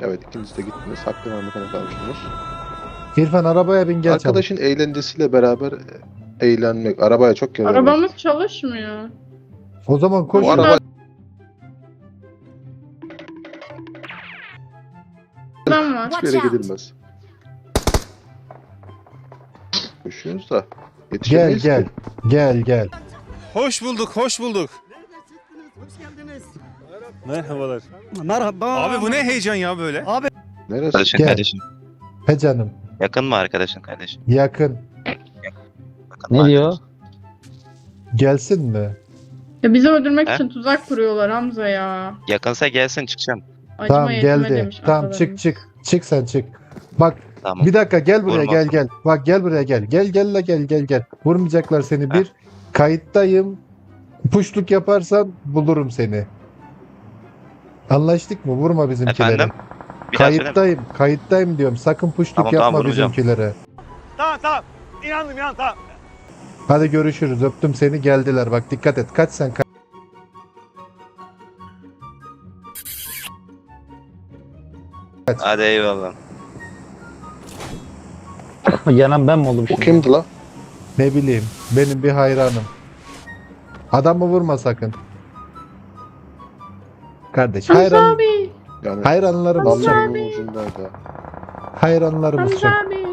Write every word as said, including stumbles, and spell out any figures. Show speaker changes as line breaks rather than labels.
Evet, ikiniz de gittiniz. Hakkı Mahmut'a kavuştunuz.
İrfan arabaya bin gel çabuk.
Arkadaşın eğlencesiyle beraber eğlenmek. Arabaya çok kere
Arabamız çalışmıyor.
O zaman koş.
Bu araba
Adam var.
hiçbir yere
Watch out.
gidilmez. Koşuyoruz da
Gel
yetişemeyiz
gel.
ki.
Gel gel.
Hoş bulduk, hoş bulduk.
Hoş geldiniz.
Merhabalar.
Merhaba.
Abi bu ne heyecan ya böyle?
Abi
Neresi?
Arkadaşın
Gel.
kardeşin.
He canım.
Yakın mı arkadaşın kardeşin?
Yakın.
Yakın mı
Ne diyor?
arkadaşın?
Gelsin mi?
Ya bizi öldürmek
He?
için tuzak kuruyorlar Hamza ya.
Yakınsa gelsin, çıkacağım.
Acıma
Tamam
yetme
geldi.
demiş
Tamam
atalarımız.
çık çık. Çık sen çık. Bak
Tamam.
bir dakika gel buraya
Vurma.
gel gel. Bak gel buraya gel. Gel gel la gel gel gel. Vurmayacaklar seni bir. Kayıttayım. Puşluk yaparsan bulurum seni. Anlaştık mı? Vurma bizimkilere.
Efendim? Bir daha söyle.
Kayıttayım. Kayıttayım diyorum. Sakın puşluk
Tamam,
yapma
tamam, vurmayacağım.
bizimkilere.
tamam tamam. İnandım inan tamam.
Hadi görüşürüz. Öptüm seni. Geldiler. Bak dikkat et. Kaç sen kaç.
Hadi eyvallah.
Yanan ben mi oldum
Bu
şimdi?
kimdi la?
Ne bileyim. Benim bir hayranım. Adamı vurma sakın. Kardeş
Hamza
hayran,
abi.
Yani
hayranlarımız çok.
namlumun ucundaydı.
Hayranlarımız çok.
Hamza abi.